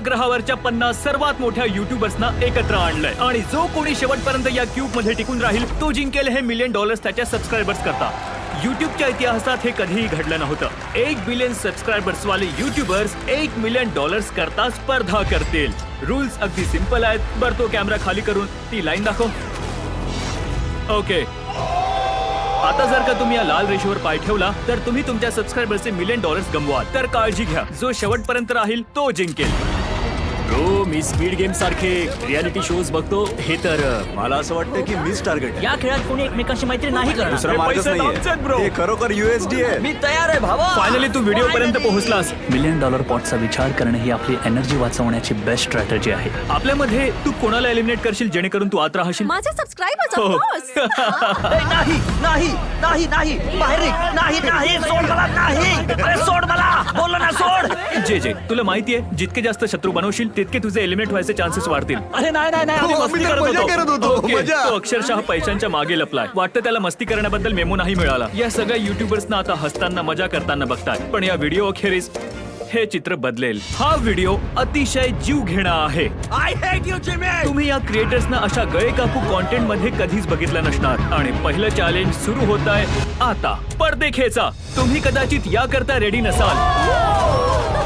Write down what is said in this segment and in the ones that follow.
ग्रहावरच्या 50 सर्वात मोठ्या युट्यूबर्सना एकत्र आणलंय आणि जो कोणी शेवटपर्यंत या क्यूब मध्ये टिकून राहील तो जिंकेल हे $1 मिलियन त्याच्या सबस्क्रायबर्स करता. युट्यूबच्या इतिहासात हे कधीही घडलं नव्हतं. 1 बिलियन सबस्क्रायबर्स वाले युट्यूबर्स $1 मिलियन करता स्पर्धा करतील. रूल्स अगदी सिंपल आहेत. बरं तो कॅमेरा खाली करून ती लाईन दाखव. ओके, आता जर का तुम्ही या लाल रेषेवर पाय ठेवला तर तुम्ही तुमच्या सबस्क्रायबर्सचे $1 मिलियन गमवाल. तर काळजी घ्या, जो शेवटपर्यंत राहील तो जिंकेल. ब्रो, मी स्पीड गेम सारखे रियालिटी शोज बघतो. हे तर मला असं वाटतं की मीच टार्गेट आहे. या खेळात कोणी एकमेकांशी मैत्री नाही करणार. दुसरा हे मार्गच पैसे आमचेच, bro. नाहीये. हे खरोखर USD आहे. मी तयार आहे भावा. फायनली तू व्हिडिओ पर्यंत पोहोचलास. $1 मिलियन पॉटचा विचार करणे ही आपली एनर्जी वाचवण्याची बेस्ट स्ट्रॅटेजी आहे. आपल्यामध्ये तू कोणाला एलिमिनेट करशील जेणेकरून तू आत राहशील? माझे सबस्क्रायबर्स हो. Of course. नाही नाही नाही नाही बाहेर निघ. नाही नाही सोड मला. नाही अरे सोड मला. बोललो ना सोड. जे तुला माहितीये जितके जास्त शत्रू बनवशील तितके तुझे एलिमिनेट व्हायचे चान्सेस वाढतील. अरे नाही नाही नाही. आम्ही हो, मस्ती आम्ही तर मजा करत होतो. ओके, मजा. तो अक्षरशः पैशांच्या मागे लपलाय. वाटतं त्याला मस्ती करण्याबद्दल मेमो नाही मिळाला. या सगळ्या युट्यूबर्सना आता हसताना मजा करताना बघतात. पण या व्हिडिओ अखेरीस हे चित्र बदलेल. हा व्हिडिओ अतिशय जीव घेणा आहे. I hate you Jimmy. तुम्ही या क्रिएटर्सना अशा गळे कापू कॉन्टेंट मध्ये कधीच बघितलं नसणार. आणि पहिलं चॅलेंज सुरू होत आहे आता. पडदे खेचा. तुम्ही कदाचित याकरता रेडी नसाल.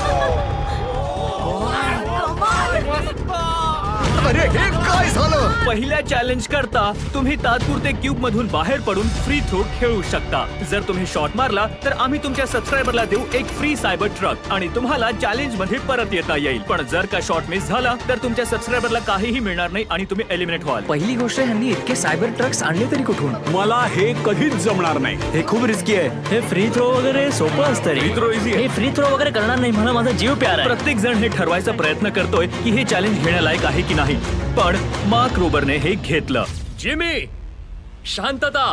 अरे हे काय झालं? पहिल्या चॅलेंज करता तुम्ही तात्पुरते क्यूब मधून बाहेर पडून फ्री थ्रो खेळू शकता. जर तुम्ही शॉट मारला तर आम्ही तुमच्या सबस्क्रायबरला देऊ एक फ्री सायबर ट्रक आणि तुम्हाला चॅलेंज मध्ये परत येता येईल. पण जर का शॉट मिस झाला तर तुमच्या सबस्क्रायबरला काहीही मिळणार नाही आणि तुम्ही एलिमिनेट व्हाल. पहिली गोष्ट, ह्यांनी इतके सायबर ट्रक्स आणले तरी कुठून? मला हे कधीच जमणार नाही. हे खूप रिस्की आहे. हे फ्री थ्रो वगैरे सोपं असतं रे. फ्री थ्रो इझी आहे. हे फ्री थ्रो वगैरे करणार नाही. मला माझा जीव प्यारा आहे. प्रत्येक जण हे ठरवायचा प्रयत्न करतोय की हे चॅलेंज घेण्यालायक आहे की नाही. पण मार्क रोबरने हे घेतलं. जिमी, शांतता.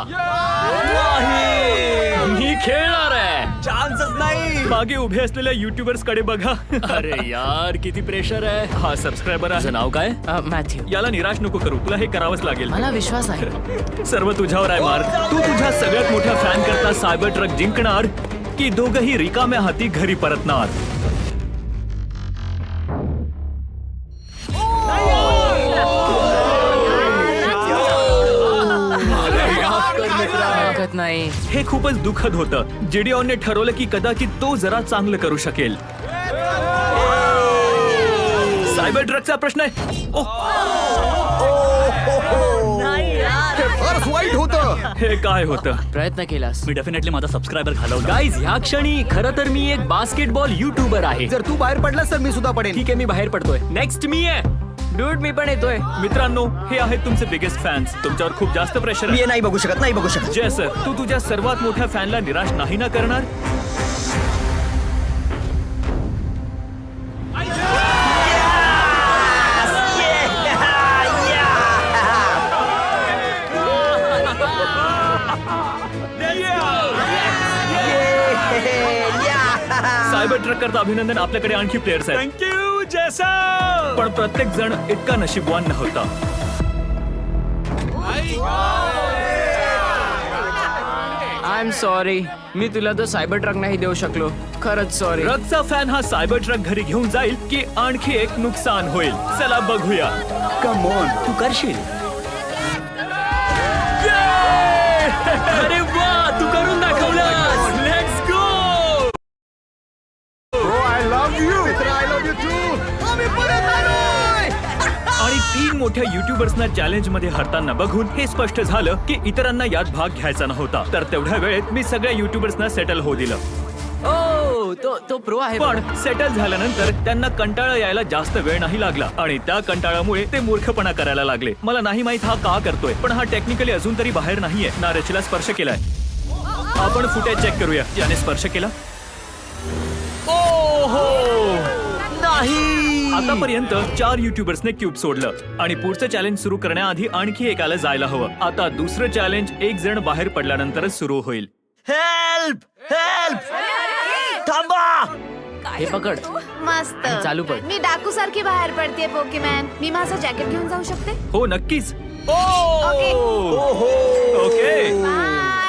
मी खेळणार आहे. चान्सच नाही. मागे उभे असलेल्या युट्यूबर्स कडे बघा. अरे यार, किती प्रेशर आहे. हा सबस्क्रायबर आहे. तुझं नाव काय? मॅथ्यू. याला निराश नको करू. तुला हे करावंच लागेल. मला विश्वास आहे. सर्व तुझ्यावर आहे मार्क. तू तुझ्या सगळ्यात मोठ्या फॅन करता सायबर ट्रक जिंकणार की दोघही रिकाम्या हाती घरी परतणार? हरकत नाही. हे खूपच दुःखद होतं. जिडिओनने ठरवलं की कदाचित तो जरा चांगलं करू शकेल. सायबर ट्रकचा प्रश्न आहे. हे फारच वाईट होतं. हे काय होतं? प्रयत्न केलास. मी डेफिनेटली माझा सबस्क्रायबर घालवला. गाईज, ह्या क्षणी खरं तर मी एक बास्केटबॉल युट्यूबर आहे. जर तू बाहेर पडलास तर मी सुद्धा पडेन. ठीक आहे, मी बाहेर पडतोय. नेक्स्ट मी आहे. डूड, मी पण येतोय. मित्रांनो, हे आहेत तुमचे बिगेस्ट फॅन्स. तुमच्यावर खूप जास्त प्रेशर आहे. नाही बघू शकत. नाही बघू शकत. जय सर, तू तुझ्या सर्वात मोठ्या फॅनला निराश नाही ना करणार? सायबर ट्रक करता अभिनंदन. आपल्याकडे आणखी प्लेयर्स आहेत. थँक्यू जैसा. पण प्रत्येक जण इतका नशीबवान नव्हता. I am sorry. मी तुला तो सायबर ट्रक नाही देऊ शकलो. खरंच सॉरी. ट्रकचा फॅन हा सायबर ट्रक घरी घेऊन जाईल की आणखी एक नुकसान होईल? चला बघूया. Come on. तू करशील. अरे वा, तू करून दाखवलास. Let's go. I love you. I love you too. आम्ही परत आलोय. आणि 3 मोठ्या युट्यूबर्सना चॅलेंज मध्ये हरताना बघून हे स्पष्ट झालं की इतरांना यात भाग घ्यायचा नव्हता. तर तेवढ्या वेळेत मी सगळ्या युट्यूबर्सना सेटल होऊ दिलं. ओ, तो प्रो आहे. पण सेटल झाल्यानंतर त्यांना कंटाळा यायला जास्त वेळ नाही लागला आणि त्या कंटाळामुळे ते मूर्खपणा करायला लागले. मला नाही माहित हा का करतोय, पण हा टेक्निकली अजून तरी बाहेर नाहीये. ना रचीला स्पर्श केलाय. आपण फुटेज चेक करूया. याने स्पर्श केला. ओहो, नाही. आतापर्यंत 4 युट्यूबर्सने क्यूब सोडलं आणि पुढचं चॅलेंज सुरू करण्याआधी आणखी एकाला जायला हवं. आता दुसरं चॅलेंज एक जण बाहेर पडल्यानंतरच सुरू होईल. Help help. थांबा. हे पकड. मस्त. चालू पड. मी डाकू सारखी बाहेर पडते पोकेमॅन. मी माझं जॅकेट घेऊन जाऊ शकते? हो नक्कीच. Okay. Okay. Bye.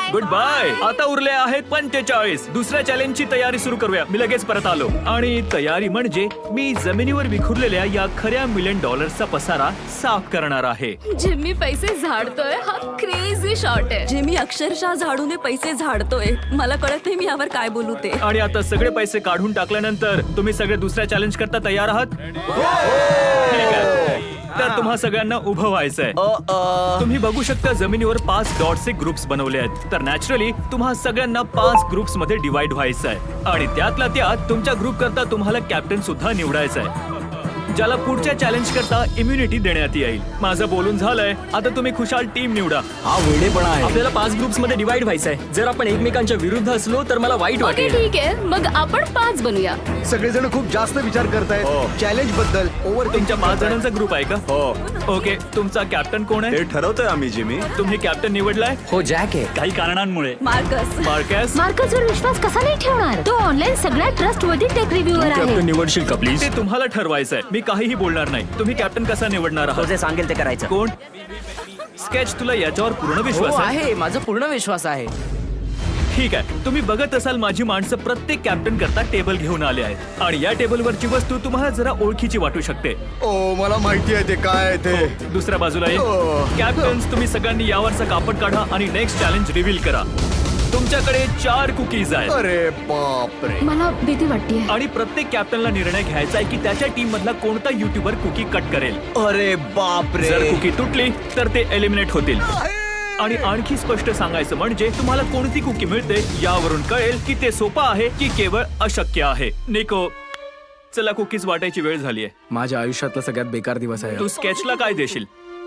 Goodbye. आता उरले आहेत 45. दुसऱ्या चॅलेंजची तयारी सुरू करूया. मी लगेच परत आलो. आणि तयारी म्हणजे मी जमिनीवर विखुरलेल्या या खऱ्या $1 मिलियन पसारा साफ करणार आहे. जिम्मी पैसे झाडतोय हा क्रेझी शॉट आहे. जिमी अक्षरशः झाडूने पैसे झाडतोय. मला कळत नाही मी यावर काय बोलू ते. आणि आता सगळे पैसे काढून टाकल्यानंतर तुम्ही सगळे दुसऱ्या चॅलेंज करता तयार आहात? ठीक आहे. तर तुम्हा सगळ्यांना उभं व्हायचंय. तुम्ही बघू शकता जमिनीवर 5 डॉट्सचे ग्रुप्स बनवले आहेत. तर नॅचरली तुम्हा सगळ्यांना 5 ग्रुप्स मध्ये डिवाइड व्हायचंय. आणि त्यातल्या त्यात तुमच्या ग्रुप करता तुम्हाला कॅप्टन सुद्धा निवडायचा आहे, ज्याला पुढच्या चॅलेंज करता इम्युनिटी देण्यात येईल. माझं बोलून झालंय. आता तुम्ही खुशाल टीम निवडा. हा वेडेपणा आहे. आपल्याला 5 ग्रुप्स मध्ये डिवाइड व्हायचंय. जर आपण एकमेकांच्या विरुद्ध असलो तर मला वाईट ओके वाटेल. ठीक आहे मग आपण 5 बनूया. सगळेजण खूप जास्त विचार करतायत चॅलेंज बद्दल. तुमच्या 5 जणांचा ग्रुप आहे का? हो ओके. तुमचा कॅप्टन कोण आहे? हे ठरवतोय आम्ही जिमी. तुम्ही कॅप्टन निवडलाय? हो जॅक आहे. काही कारणांमुळे. मार्कस. मार्कस, मार्कसवर विश्वास कसा नाही ठेवणार? तो ऑनलाईन सगळ्यात ट्रस्टवर्दी टेक रिव्ह्यूअर आहे. कॅप्टन निवडशील का प्लीज? ते तुम्हाला ठरवायचंय. मी काहीही बोलणार नाही. तुम्ही कॅप्टन कसा निवडणार तो आहात? जे सांगेल ते करायचं. कोण? स्केच, तुला याच्यावर पूर्ण विश्वास आहे? माझा पूर्ण विश्वास आहे. ठीक आहे. तुम्ही बघत असाल माझी माणसं प्रत्येक कॅप्टन करता टेबल घेऊन आले आहेत. आणि या टेबलवरची वस्तू तुम्हाला जरा ओळखीची वाटू शकते. ओ मला माहिती आहे ते काय आहे ते. दुसऱ्या बाजूला ये. कॅप्टन्स, तुम्ही सगळ्यांनी यावरचा कापड काढा आणि नेक्स्ट चॅलेंज रिव्हील करा. तुमच्याकडे 4 कुकीज आहेत. अरे बापरे. मला भीती वाटतेय. आणि प्रत्येक कॅप्टनला निर्णय घ्यायचा आहे की त्याच्या टीम मधला कोणता युट्यूबर कुकी कट करेल. अरे बापरे. जर कुकी तुटली तर ते एलिमिनेट होतील. आणि आणखी स्पष्ट सांगायचं म्हणजे तुम्हाला कोणती कुकी मिळते यावरून कळेल की ते सोपं आहे की केवळ अशक्य आहे. निको, चला कुकीज वाटायची वेळ झालीये. माझ्या आयुष्यातला सगळ्यात बेकार दिवस आहे. तू स्केचला काय देशील?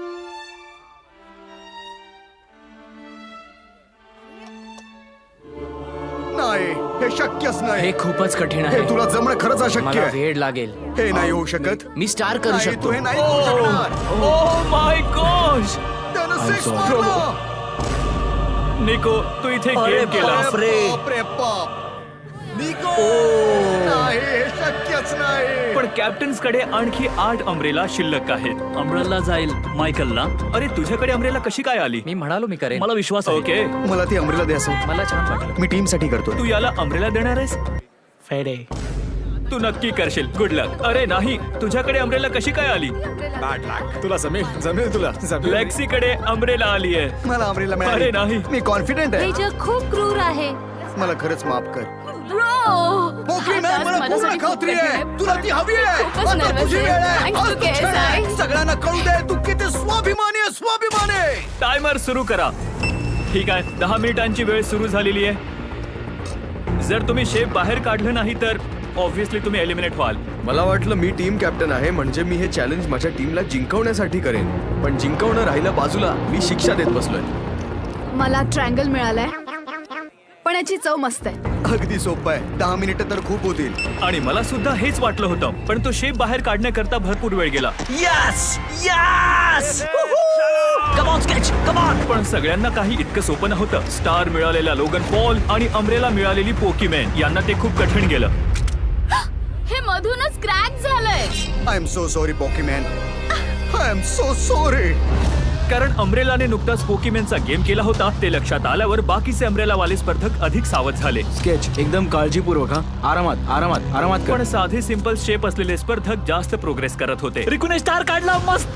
नाही हे शक्यच नाही. हे खूपच कठीण हे आहे. तुला जमणं खरंच अशक्य मला आहे. वेळ लागेल. हे नाही होऊ शकत. मी स्टार करू नाही, शकतो. तू हे नाही करू शकणार. Oh my gosh. त्यानं I'm six sorry. मारलं. निको, तू इथे अरे गेम केलास. बापरे. बापरे बाप. निको. नाही हे शक्यच नाही. पण कॅप्टन्स कडे आणखी 8 अम्ब्रेला शिल्लक आहेत. अमृतला जाईल मायकलला. अरे तुझ्याकडे अम्ब्रेला कशी काय आली? मी म्हणालो मी करेन. मला विश्वास आहे. ओके. मला ती अमरीला द्या असं. मला छान वाटलं. मी टीम साठी करतो. तू याला अम्ब्रेला देणार आहेस? फेडे. तू नक्की करशील. Good luck. अरे नाही, तुझ्याकडे अम्ब्रेला कशी काय आली? तुला जमेल तुला लेक्सीकडे अम्ब्रेला आली आहे. मला अमरीला अरे मिळाली. नाही. मी कॉन्फिडेंट हे आहे. जग खूप क्रूर आहे. मला खरंच माफ कर. ब्रो मला पूर्ण खात्री आहे. तुला ती हवी आहे. खूपच आता nervous तुझी आहे. वेळ आहे. Thanks आज to तुझी वेळ आहे. KSI. सगळ्यांना कळू दे तू किती स्वाभिमानी आहे. स्वाभिमानी. टायमर सुरू करा. ठीक आहे, 10 मिनिटांची वेळ सुरू झालेली आहे. जर तुम्ही शेप बाहेर काढलं नाही तर ऑब्व्हियसली तुम्ही एलिमिनेट व्हाल. मला वाटलं मी टीम कॅप्टन आहे म्हणजे मी हे चॅलेंज माझ्या टीमला जिंकवण्यासाठी करेन, पण जिंकवणं राहिलं बाजूला, मी शिक्षा देत बसलोय. मला ट्रँगल मिळालाय, पण याची चव मस्त आहे. अगदी सोपं आहे. 10 मिनिटं तर खूप होतील. आणि मला सुद्धा हेच वाटलं होतं, पण तो शेप बाहेर काढण्याकरता भरपूर वेळ गेला. Yes yes. Come on Sketch, come on. पण सगळ्यांना काही इतकं सोपं नव्हतं. स्टार मिळालेला लोगन पॉल आणि अम्ब्रेला मिळालेली पोकीमॅन यांना ते खूप कठीण गेलं. हे मधूनच क्रॅक झालंय. I am so sorry Pokimane. I am so sorry. कारण अम्ब्रेलाने नुकताच पोकीमॅनचा गेम केला होता ते लक्षात आल्यावर बाकीचे अम्ब्रेलावाले स्पर्धक अधिक सावध झाले. स्केच एकदम काळजीपूर्वक. हा आरामात आरामात आरामात कर. पण साधे सिंपल शेप असलेले स्पर्धक जास्त प्रोग्रेस करत होते. रिकुने स्टार काढला. मस्त.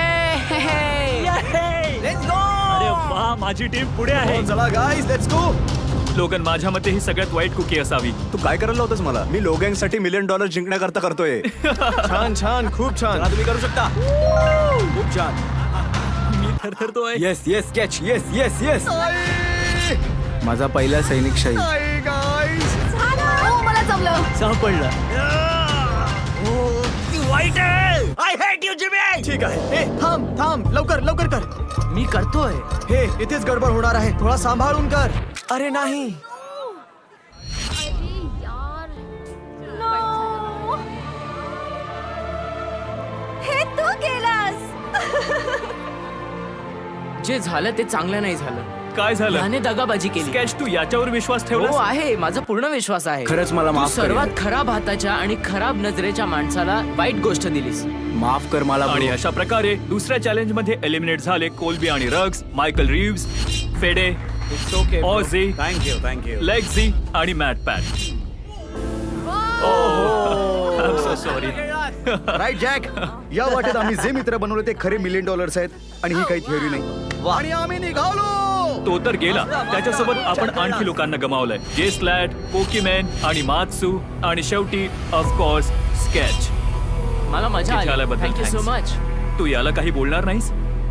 अरे वा, माझी टीम पुढे आहे. चला गाईज लेट्स गो. लोगन, माझ्या मते ही सगळ्यात वाईट कुकी असावी. तू काय करायला होतस मला? मी लोगँगसाठी $1 मिलियन जिंकण्याकरता करतोय. छान छान खूप छान. तुम्ही करू शकता. खूप छान. मी थरथरतोय. Yes yes Sketch. Yes yes yes. माझा पहिला सैनिक शाही. नाही गाईज. हो, मला जमलं. सापडला. ती वाईट आहे. I hate you Jimmy. ठीक आहे. हे थांब थांब लवकर लवकर कर. मी करतोय. हे इथेच गडबड होणार आहे. थोडा सांभाळून कर. अरे नाही. हे तू केलास. जे झालं ते चांगलं नाही झालं. काय झालं? त्याने दगाबाजी केली. स्केच, तू याच्यावर विश्वास हो ठेवलास? आहे. माझा पूर्ण विश्वास आहे. खरंच मला तू माफ कर. सर्वात खराब हाताच्या आणि खराब नजरेच्या माणसाला वाईट गोष्ट दिलीस. माफ कर मला. आणि अशा प्रकारे दुसऱ्या चॅलेंज मध्ये एलिमिनेट झाले कोल्बी आणि Rugs, Michael Reeves, Fede Ozzy, thank you Lexi आणि Matt Pat. I so sorry. Right Jack. या वाटेत आम्ही जे मित्र बनवले ते खरे $1 मिलियन आहेत आणि ही काही थिअरी नाही. आणि आम्ही निघालो. तो तर गेला. त्याच्यासोबत आपण आणखी लोकांना गमावलंय. जे स्लॅट, पोकीमॅन आणि मात्सू आणि शेवटी ऑफकोर्स स्केच. मला मजा इथे आली. आल्याबद्दल थँक्यू सो thanks. मच. तू याला काही बोलणार नाहीस?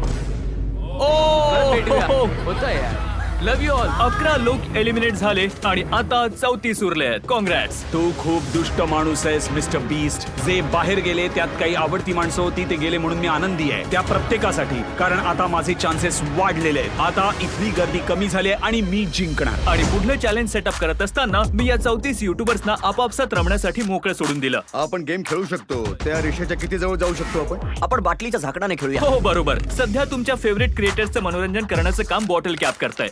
होतं यार. Love you all. 11 लोक एलिमिनेट झाले आणि आता 34 उरले आहेत. कॉंग्रॅट्स. तू खूप दुष्ट माणूस आहेस मिस्टर बीस्ट. जे बाहेर गेले त्यात काही आवडती माणसं होती, ते गेले म्हणून मी आनंदी आहे त्या प्रत्येकासाठी. कारण आता माझे चान्सेस वाढलेले आहेत. आता इथली गर्दी कमी झाली आहे आणि मी जिंकणार. आणि पुढलं चॅलेंज सेटअप करत असताना मी या 34 युट्यूबर्सना आपापसात रमण्यासाठी मोकळं सोडून दिलं. आपण गेम खेळू शकतो. त्या रेषेच्या किती जवळ जाऊ शकतो आपण? आपण बाटलीच्या झाकणाने खेळूया. हो बरोबर. सध्या तुमच्या फेवरेट क्रिएटर्सचं मनोरंजन करण्याचं काम बॉटल कॅप करताय.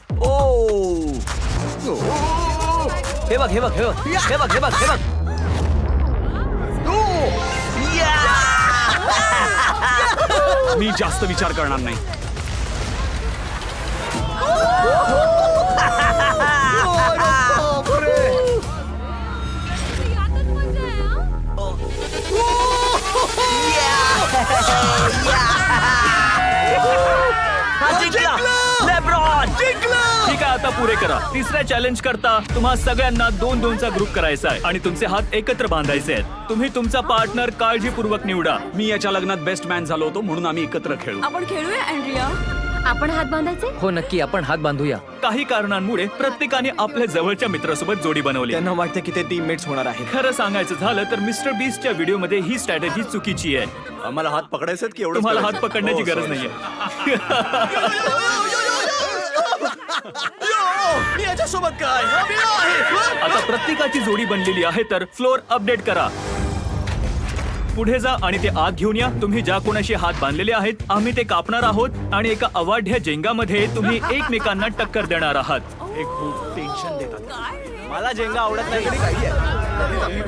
हे बघ हे बघ हे बघ हे बघ हे बघ हे बघ. मी जास्त विचार करणार नाही. ठीक आहे, आता पुरे करा. तिसऱ्या चॅलेंज करता तुम्हा सगळ्यांना 2-2चा ग्रुप करायचा आहे आणि तुमचे हात एकत्र बांधायचे आहेत. तुम्ही तुमचा पार्टनर काळजीपूर्वक निवडा. मी याच्या लग्नात बेस्ट मॅन झालो होतो म्हणून आम्ही एकत्र खेळू. आपण खेळूया अँड्रिया. आपण हात बांधायचे. हो नक्की, आपण हात बांधूया. काही कारणांमुळे प्रत्येकाने आपल्या जवळच्या मित्रासोबत जोडी बनवली. त्यांना वाटतं की ते टीममेट्स होणार आहेत. खरं सांगायचं झालं तर मिस्टर बीस्टच्या व्हिडिओमध्ये ही स्ट्रॅटेजी चुकीची आहे. आम्हाला हात पकडायचे की एवढं तुम्हाला हात पकडण्याची गरज नाहीये. मी याच्यासोबत काय आता प्रत्येकाची जोडी बनलेली आहे तर फ्लोर अपडेट करा. पुढे जा आणि ते आत घेऊन या. तुम्ही ज्या कोणाशी हात बांधलेले आहेत आम्ही ते कापणार आहोत आणि एका अवाढ्य जेंगामध्ये तुम्ही एकमेकांना टक्कर देणार आहात. हे खूप टेन्शन देतात. मला जेंगा आवडत नाही.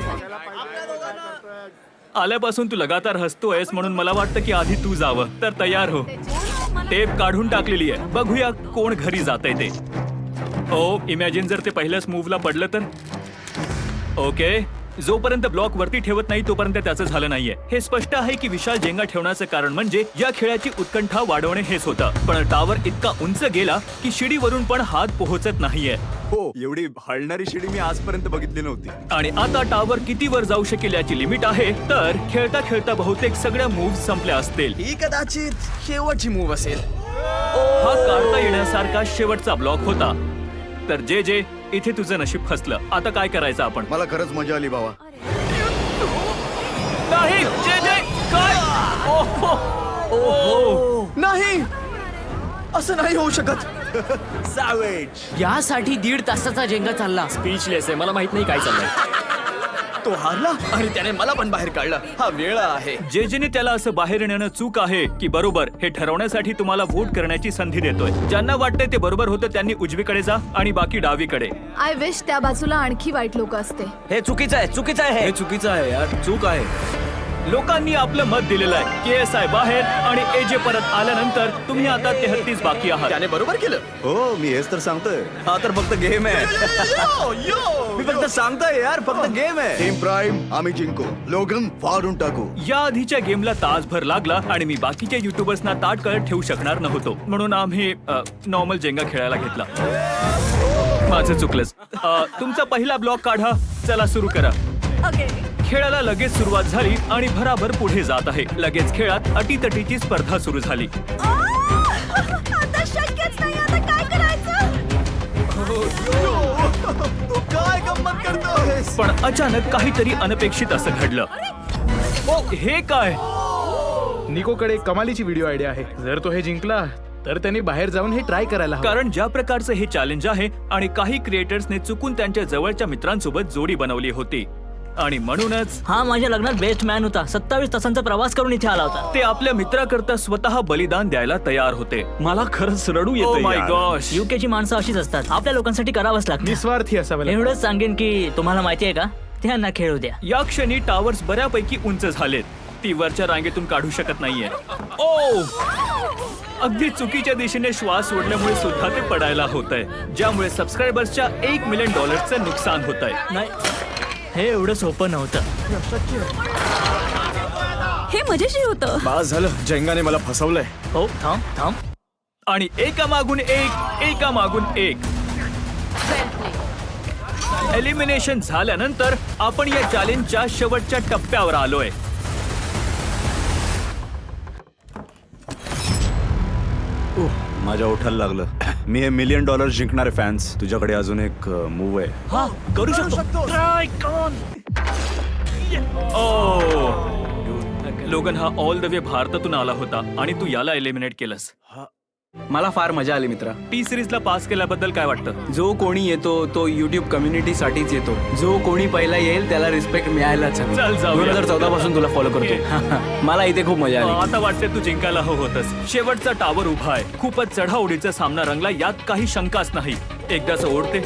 आल्यापासून तू लगातार हसतोयस म्हणून मला वाटतं की आधी तू जावं. तर तयार हो. टेप काढून टाकलेली आहे. बघूया कोण घरी जातंय ते. ओ इमॅजिन जर ते पहिल्याच मूव्हला पडलं तर. ओके, जोपर्यंत ब्लॉक वरती ठेवत नाही तोपर्यंत त्याचं झालं नाहीये. हे स्पष्ट आहे की विशाल जेंगा ठेवण्याचं कारण म्हणजे या खेळाची उत्कंठा वाढवणे हेच होतं. पण टावर इतका उंच गेला की शिडीवरून पण हात पोहोचत नाहीये. हो, एवढी हलणारी शिडी मी आजपर्यंत बघितली नव्हती. आणि आता टावर किती वर जाऊ शकेल याची लिमिट आहे. तर खेळता खेळता बहुतेक सगळ्या मूव्ह संपल्या असतील. ही कदाचित शेवटची मूव्ह असेल. हा काढता येण्यासारखा शेवटचा ब्लॉक होता. तर जे इथे तुझं नशीब फसलं. आता काय करायचं आपण? मला खरंच मजा आली भावा. नाही जे काय? ओहो. नाही, असं नाही होऊ शकत. यासाठी 1.5 तासाचा जेंगा चालला. स्पीचलेस आहे. मला माहित नाही काय चाललंय. तो हारला आणि त्याने मला पण बाहेर काढलं. हा वेळ आहे. जेने त्याला असं बाहेर नेणं चूक आहे की बरोबर हे ठरवण्यासाठी तुम्हाला वोट करण्याची संधी देतोय. ज्यांना वाटतंय ते बरोबर होतं त्यांनी उजवीकडे जा आणि बाकी डावीकडे. आय विश त्या बाजूला आणखी वाईट लोक असते. हे चुकीचं आहे, चुकीचं आहे हे. हे चुकीचं आहे यार, चूक आहे. लोकांनी आपलं मत दिलेलं आहे. KSI बाहेर आणि AJ परत आल्यानंतर तुम्ही आता 33 बाकी आहात. त्याने बरोबर केलं. हो, मी हेच तर सांगतोय. हा तर फक्त गेम आहे. मी फक्त सांगतोय यार, फक्त गेम आहे. टीम प्राईम आम्ही जिंकू. लोगन फाडून टाकू. या आधीच्या गेमला तासभर लागला आणि मी बाकीच्या युट्यूबर्सना ताट करत ठेवू शकणार नव्हतो. म्हणून आम्ही नॉर्मल जेंगा खेळायला घेतला. माझं चुकलंच. तुमचा पहिला ब्लॉक काढा. चला सुरू करा. खेळाला लगेच सुरुवात झाली आणि भराभर पुढे जात आहे. लगेच खेळात अटीतटीची स्पर्धा सुरू झाली. आता शक्यच नाही. आता काय करायचं? तू काय गंमत करतोयस? पण अचानक काहीतरी अनपेक्षित असं घडलं. ओ हे काय? निकोकडे कमालीची व्हिडिओ आयडिया आहे. जर तो हे जिंकला तर त्यांनी बाहेर जाऊन हे ट्राय करायला हवं. कारण ज्या प्रकारचं हे चॅलेंज आहे आणि काही क्रिएटर्सने चुकून त्यांच्या जवळच्या मित्रांसोबत जोडी बनवली होती आणि म्हणूनच हा माझ्या लग्नात बेस्ट मॅन होता. 27 तासांचा प्रवास करून इथे आला होता. ते आपल्या मित्राकरता स्वतः बलिदान द्यायला तयार होते. मला खरंच रडू ओ येतं माय यार. गॉश. युकेची माणसं अशीच असतात. आपल्या लोकांसाठी करावंच लागतं. निस्वार्थी असावं लागतं. एवढंच सांगेन की तुम्हाला माहिती आहे का, त्यांना खेळू द्या. या क्षणी टावर्स बऱ्यापैकी उंच झालेत. ती वरच्या रांगेतून काढू शकत नाहीये. ओ अगदी चुकीच्या दिशेने श्वास सोडल्यामुळे सुद्धा ते पडायला होत आहे, ज्यामुळे सबस्क्रायबर्सच्या $1 मिलियन नुकसान होत आहे. नाही, हे एवढं सोपं नव्हतं. हे मजेशीर होतं. बास झालं, जेंगाने मला फसवलंय. हो, थांब थांब. आणि एकामागून एक एलिमिनेशन झाल्यानंतर आपण या चॅलेंजच्या शेवटच्या टप्प्यावर आलोय. माझ्या ओठाला लागलं. मी हे $1 मिलियन जिंकणारे फॅन्स, तुझ्याकडे अजून एक मूव आहे. हा करू शकतो. लोगन हा ऑल द वे भारतातून आला होता आणि तू याला एलिमिनेट केलंस. मला फार मजा आली मित्रा. T-Series ला पास केल्याबद्दल काय वाटतं? जो कोणी येतो तो युट्यूब कम्युनिटीसाठीच येतो. जो कोणी पहिला येईल त्याला रिस्पेक्ट मिळायलाच हवी. चल जाऊया. 2014 पासून तुला फॉलो करतो. मला इथे खूप मजा आली. आता वाटते तू जिंकायला होतस. शेवटचा टावर उभा आहे. खूपच चढाओढीचा सामना रंगला, यात काही शंकाच नाही. एकदाच ओढते.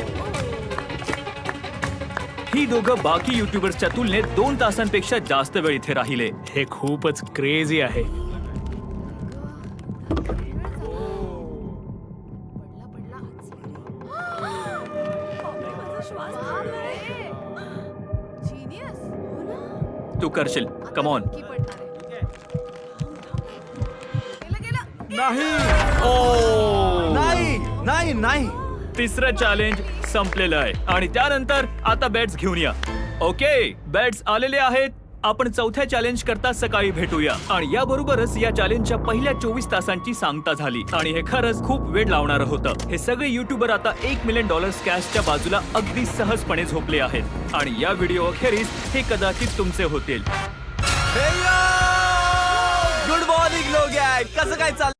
ही दोघं बाकी युट्यूबर्सच्या तुलनेत 2 तासांपेक्षा जास्त वेळ इथे राहिले. हे खूपच क्रेझी आहे. तू करशील. Come on. नाही नाही. तिसरं चॅलेंज संपलेलं आहे आणि त्यानंतर आता बॅट्स घेऊन या. ओके, बॅट्स आलेले आहेत. आपण चौथ्या चॅलेंज करता सकाळी भेटूया. आणि याबरोबरच या चॅलेंजच्या पहिल्या 24 तासांची सांगता झाली आणि हे खरंच खूप वेळ लावणारं होतं. हे सगळे युट्यूबर आता $1 मिलियन कॅशच्या बाजूला अगदी सहजपणे झोपले आहेत आणि या व्हिडिओ अखेरीस हे कदाचित तुमचे होतील. गुड मॉर्निंग लोक, कसं काय चाललं?